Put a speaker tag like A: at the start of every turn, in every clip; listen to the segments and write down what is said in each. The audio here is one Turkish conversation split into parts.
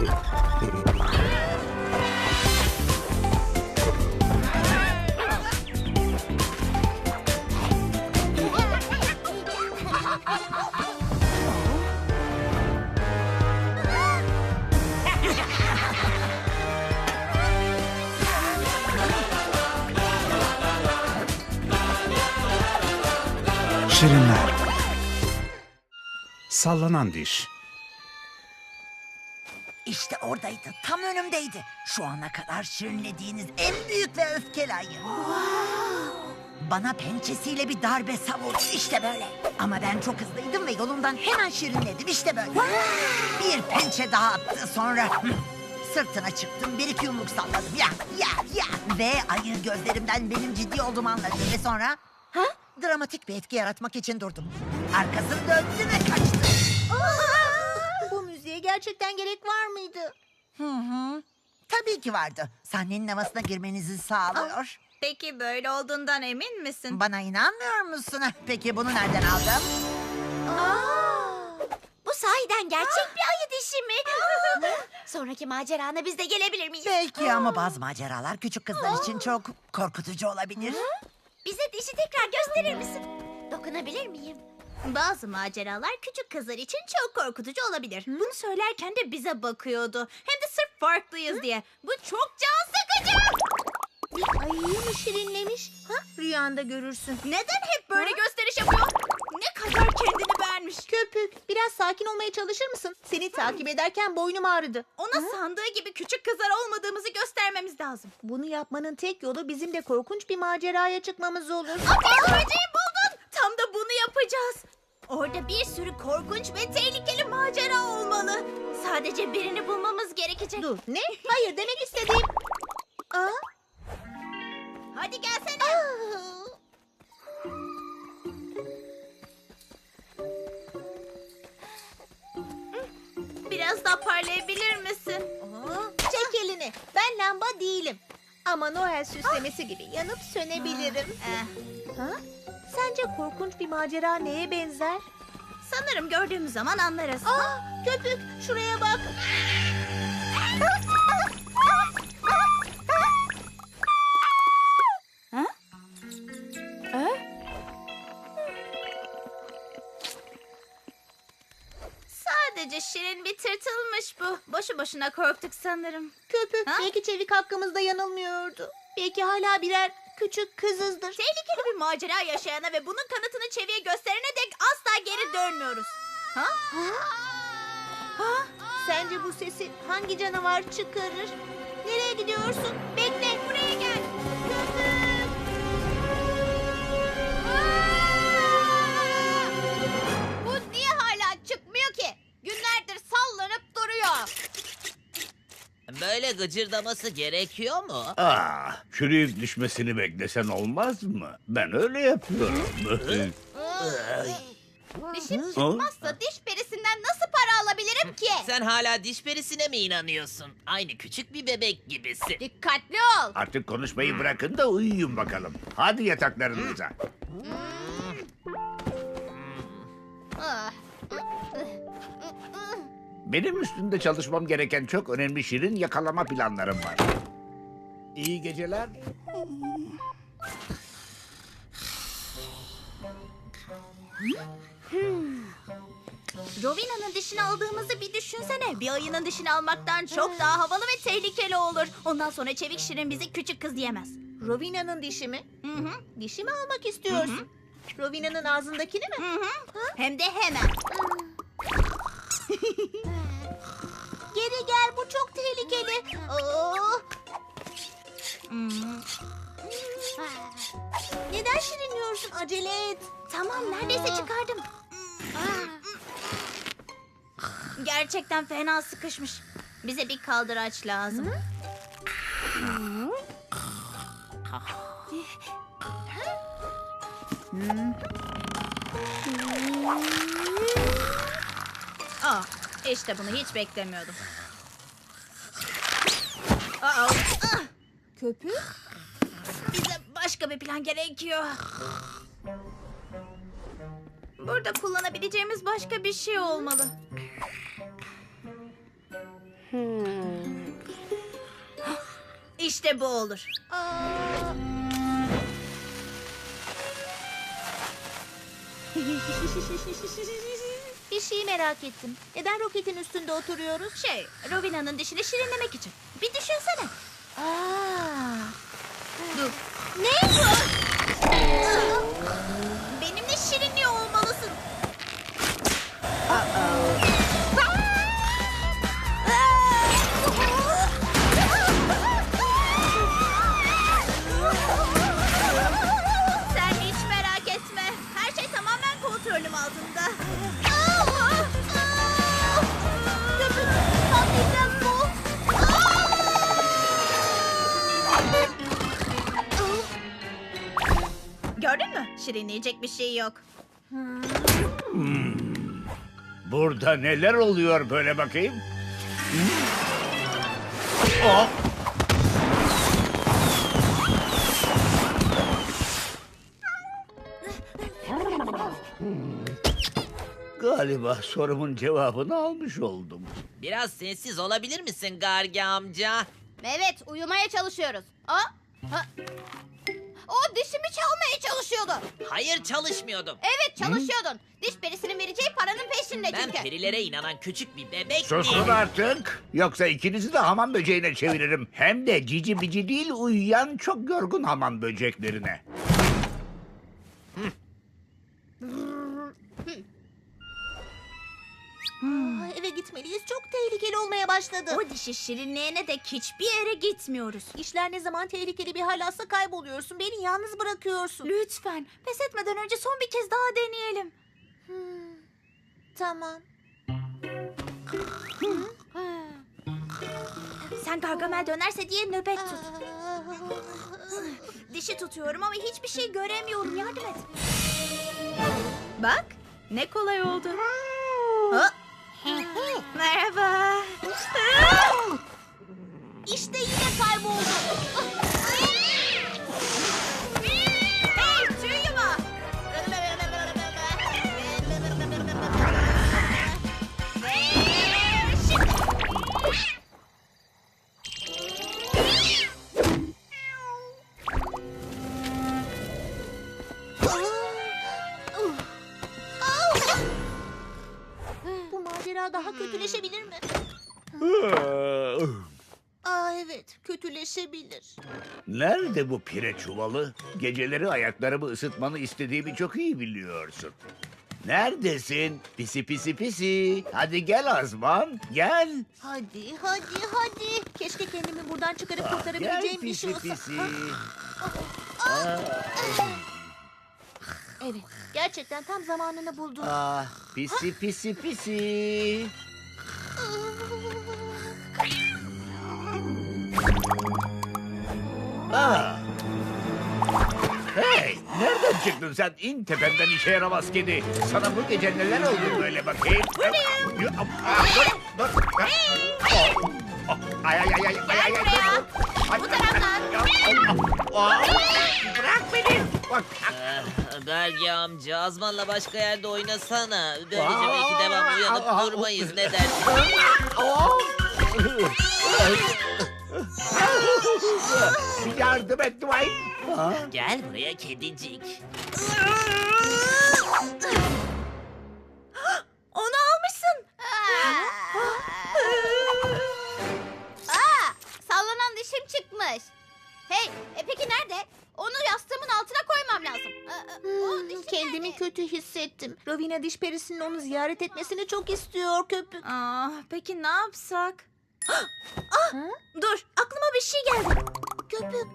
A: Şirinler. Sallanan diş.
B: İşte oradaydı, tam önümdeydi. Şu ana kadar şirinlediğiniz en büyük ve öfkeli ayı. Bana pençesiyle bir darbe savurdu, işte böyle. Ama ben çok hızlıydım ve yolumdan hemen şirinledim, işte böyle. Bir pençe daha attı, sonra sırtına çıktım, bir iki yumruk salladım. Ya. Ve ayı gözlerimden benim ciddi olduğumu anladı ve sonra... Dramatik bir etki yaratmak için durdum. Arkasını döndü ve kaçtı.
C: Bu müziğe gerçekten gerek var mıydı?
B: Tabii ki vardı. Sahnenin havasına girmenizi sağlıyor.
D: Peki böyle olduğundan emin misin?
B: Bana inanmıyor musun? Peki bunu nereden aldın?
C: Bu sahiden gerçek bir ayı dişi mi? Sonraki macerana biz de gelebilir miyiz?
B: Belki ama bazı maceralar küçük kızlar için çok korkutucu olabilir.
C: Bize dişi tekrar gösterir misin? Dokunabilir miyim?
D: Bazı maceralar küçük kızlar için çok korkutucu olabilir. Bunu söylerken de bize bakıyordu. Hem de sırf farklıyız diye. Bu çok can sıkıcı.
C: Bir ayıyı mı şirinlemiş? Rüyanda görürsün.
D: Neden hep böyle gösteriş yapıyor? Ne kadar kendini beğenmiş.
C: Köpük, biraz sakin olmaya çalışır mısın? Seni takip ederken boynum ağrıdı.
D: Ona sandığı gibi küçük kızlar olmadığımızı göstermemiz lazım.
C: Bunu yapmanın tek yolu bizim de korkunç bir maceraya çıkmamız olur.
D: Ateş böceği buldun. Tam da bunu yapacağız. Orada bir sürü korkunç ve tehlikeli macera olmalı. Sadece birini bulmamız gerekecek.
C: Dur, ne? Hayır demek istediğim...
D: Hadi gelsene. Biraz daha parlayabilir misin?
C: Çek elini. Ben lamba değilim. Ama Noel süslemesi gibi yanıp sönebilirim. Sence korkunç bir macera neye benzer?
D: Sanırım gördüğümüz zaman anlarız.
C: Köpük, şuraya bak.
D: Sadece şirin bir tırtılmış bu. Boşu boşuna korktuk sanırım.
C: Köpük,
D: Ha?
C: belki Çevik hakkımızda yanılmıyordu. Belki hala birer küçük kızızdır.
D: Tehlikeli bir macera yaşayana ve bunun kanıtını Çevi'ye gösterene dek asla geri dönmüyoruz.
C: Sence bu sesi hangi canavar çıkarır? Nereye gidiyorsun? Bekle, buraya gel. Köpük!
D: Bu niye hala çıkmıyor ki? Günlerdir sallanıp duruyor.
E: Böyle gıcırdaması gerekiyor mu?
F: Çürüyüp düşmesini beklesen olmaz mı? Ben öyle yapıyorum.
D: Dişim çıkmazsa diş perisinden nasıl para alabilirim ki?
E: Sen hala diş perisine mi inanıyorsun? Aynı küçük bir bebek gibisin.
D: Dikkatli ol.
F: Artık konuşmayı bırakın da uyuyun bakalım. Hadi yataklarınıza. Benim üstünde çalışmam gereken çok önemli şirin yakalama planlarım var. İyi geceler.
D: Rovina'nın dişini aldığımızı bir düşünsene. Bir ayının dişini almaktan çok daha havalı ve tehlikeli olur. Ondan sonra Çevik Şirin bizi küçük kız diyemez.
C: Rovina'nın dişi mi?
D: Hı hı.
C: Dişi mi almak istiyorsun? Rovina'nın ağzındakini mi?
D: Hı hı. Hem de hemen.
C: Geri gel, bu çok tehlikeli. Neden şirinliyorsun? Acele et.
D: Tamam, neredeyse çıkardım. Gerçekten fena sıkışmış. Bize bir kaldıraç lazım. İşte bunu hiç beklemiyordum.
C: Köpük?
D: Bize başka bir plan gerekiyor. Burada kullanabileceğimiz başka bir şey olmalı. İşte bu olur.
C: Bir şeyi merak ettim. Neden roketin üstünde oturuyoruz?
D: Rovina'nın dişini şirinlemek için. Bir düşünsene. Dur.
C: Ne bu?
D: Benimle şirinliyor olmalısın. Sen hiç merak etme. Her şey tamamen kontrolüm altında.
C: Köpük patlayacak bu.
D: Gördün mü? Şirinleyecek bir şey yok.
F: Burada neler oluyor böyle bakayım? Oh! Galiba sorumun cevabını almış oldum.
E: Biraz sessiz olabilir misin Gargi amca?
D: Evet, uyumaya çalışıyoruz. O dişimi çalmaya çalışıyordu.
E: Hayır çalışmıyordum.
D: Evet, çalışıyordun. Diş perisinin vereceği paranın peşinde
E: Ben
D: çünkü.
E: perilere inanan küçük bir bebek
F: Susun
E: değilim.
F: artık. Yoksa ikinizi de hamam böceğine çeviririm. Hem de cici bici değil, uyuyan çok yorgun hamam böceklerine.
C: Eve gitmeliyiz. Çok tehlikeli olmaya başladı.
D: O dişi şirinleyene dek hiçbir yere gitmiyoruz.
C: İşler ne zaman tehlikeli bir hal alsa kayboluyorsun. Beni yalnız bırakıyorsun.
D: Lütfen, pes etmeden önce son bir kez daha deneyelim.
C: Tamam.
D: Sen Gargamel dönerse diye nöbet tut. Dişi tutuyorum ama hiçbir şey göremiyorum. Yardım et. Bak, ne kolay oldu. Merhaba.
C: İşte yine kayboldu.
D: Hey, tüy yuva. Ve şimdi.
C: Bu macera daha kötüleşebilir mi? Evet, kötüleşebilir.
F: Nerede bu pire çuvalı? Geceleri ayaklarımı ısıtmanı istediğimi çok iyi biliyorsun. Neredesin? Pisi pisi pisi. Hadi gel Azman, gel.
C: Hadi, hadi, hadi. Keşke kendimi buradan çıkarıp
F: Gel
C: kurtarabileceğim bir şey
F: pisi
C: olsa.
F: pisi.
C: Evet, gerçekten tam zamanını buldun.
F: Ah, pisi pisi pisi. Ah. Hey, nereden çıktın sen? İn tepemden işe yaramaz kedi. Sana bu gece neler oldu böyle bakayım? Buradayım. Dur. Ay ay ay ay ay ay.
D: Bu taraftan.
F: Bırak beni. Bak.
E: Gargi amca Azman'la başka yerde oynasana. Böylece belki devamlı uyanıp durmayız ne dersin?
F: Yardım et Dwight.
E: Gel buraya kedicik.
D: Onu almışsın. Sallanan dişim çıkmış. Hey, peki nerede? Onu yastığımın altına koymam lazım. O dişim
C: Kendimi
D: nerede?
C: kötü hissettim. Rovina diş perisinin onu ziyaret etmesini çok istiyor köpük.
D: Peki ne yapsak? Dur, aklıma bir şey geldi.
C: Köpük.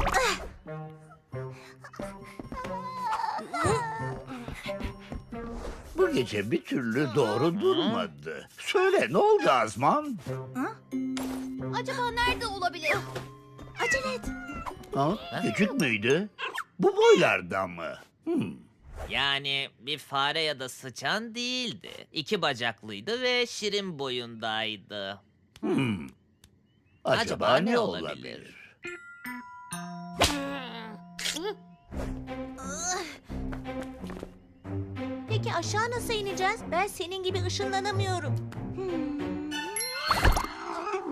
F: Bu gece bir türlü doğru durmadı. Söyle ne oldu Azman?
D: Acaba nerede olabilir? Acele et.
F: Ha? Küçük müydü? Bu boylarda mı?
E: Yani bir fare ya da sıçan değildi. 2 bacaklıydı ve şirin boyundaydı.
F: Acaba ne olabilir?
C: Peki aşağı nasıl ineceğiz? Ben senin gibi ışınlanamıyorum.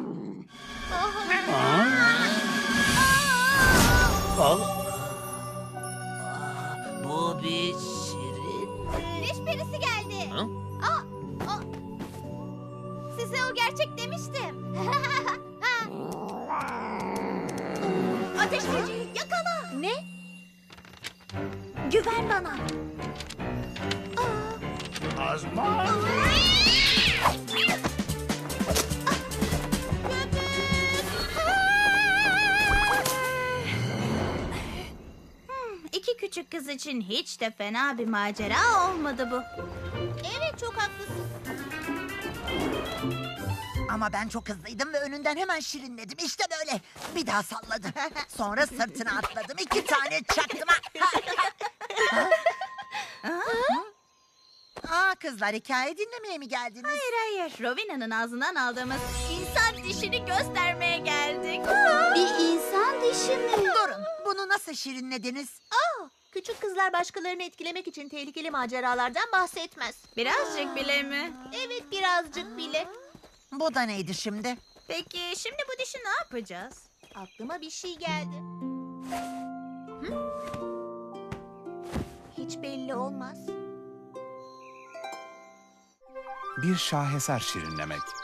D: size o gerçek demiştim. Ateş böceği yakala.
C: Ne?
D: Güven bana.
F: Azman!
D: İki küçük kız için hiç de fena bir macera olmadı bu.
C: Evet, çok haklısın.
B: Ama ben çok hızlıydım ve önünden hemen şirinledim. İşte böyle. Bir daha salladım. Sonra sırtına atladım. 2 tane çaktım. Aa, kızlar hikaye dinlemeye mi geldiniz?
D: Hayır, Rovina'nın ağzından aldığımız insan dişini göstermeye geldik.
C: Bir insan dişi mi?
B: Durun. Bunu nasıl şirinlediniz?
C: Küçük kızlar başkalarını etkilemek için tehlikeli maceralardan bahsetmez.
D: Birazcık bile mi?
C: Evet, birazcık bile.
B: Bu da neydi şimdi?
D: Peki şimdi bu dişi ne yapacağız?
C: Aklıma bir şey geldi. Hiç belli olmaz.
A: Bir şaheser şirinlemek.